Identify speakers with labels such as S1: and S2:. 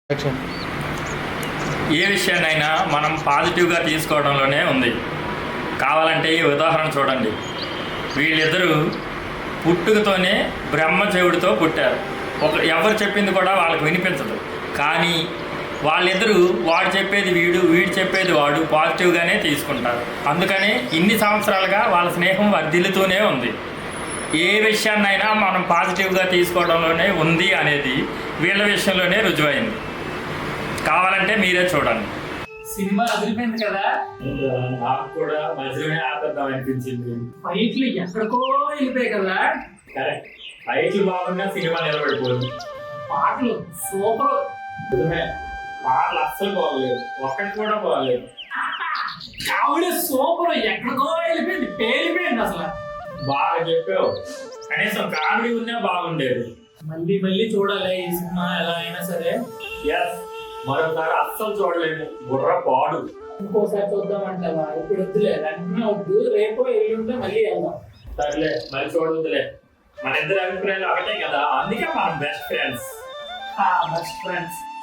S1: ఏ విషయాన్నైనా మనం పాజిటివ్గా తీసుకోవడంలోనే ఉంది. కావాలంటే ఈ ఉదాహరణ చూడండి. వీళ్ళిద్దరూ పుట్టుకతోనే బ్రహ్మదేవుడితో పుట్టారు. ఎవరు చెప్పింది కూడా వాళ్ళకి వినిపించదు. కానీ వాళ్ళిద్దరూ వాడు చెప్పేది వీడు, వీడు చెప్పేది వాడు పాజిటివ్గానే తీసుకుంటారు. అందుకనే ఇన్ని సంవత్సరాలుగా వాళ్ళ స్నేహం వర్ధిల్లుతూనే ఉంది. ఏ విషయాన్నైనా మనం పాజిటివ్గా తీసుకోవడంలోనే ఉంది అనేది వీళ్ళ విషయంలోనే రుజువైంది. కావాలంటే మీరే చూడండి.
S2: సినిమా అదిరిపోయింది కదా.
S1: నాకు కూడా మధ్యలోనే ఆపేద్దాం అనిపించింది.
S2: ఫైట్లు ఎక్కడికో వెళ్ళిపోయాయి కదా.
S1: కరెక్ట్. ఫైట్లు బాగున్నా సినిమా నిలబడిపోయింది.
S2: పాటలు సూపర్.
S1: పాటలు అస్సలు బాగలేదు, ఒక్కటి కూడా బాగలేదు.
S2: కామెడీ సూపర్, ఎక్కడికో వెళ్ళిపోయింది, పేలిపోయింది అసలు.
S1: బాగా చెప్పావు. కనీసం కామెడీ ఉన్నా బాగుండేది.
S2: మళ్ళీ మళ్ళీ చూడాలి ఈ సినిమా ఎలా అయినా సరే.
S1: ఎస్, మరోసారి అస్సలు చూడలేము. బుర్ర పాడు.
S2: ఇంకోసారి చూద్దామంటావా? ఇప్పుడు వద్దులే, వెంటనే వద్దు, రేపో ఎల్లుంటే మళ్ళీ వెళ్దాం.
S1: సర్లే, మళ్ళీ చూడవద్దులే. మన ఇద్దరు అభిప్రాయాలు ఒకటే కదా, అందుకే మనం బెస్ట్ ఫ్రెండ్స్.
S2: Best friends.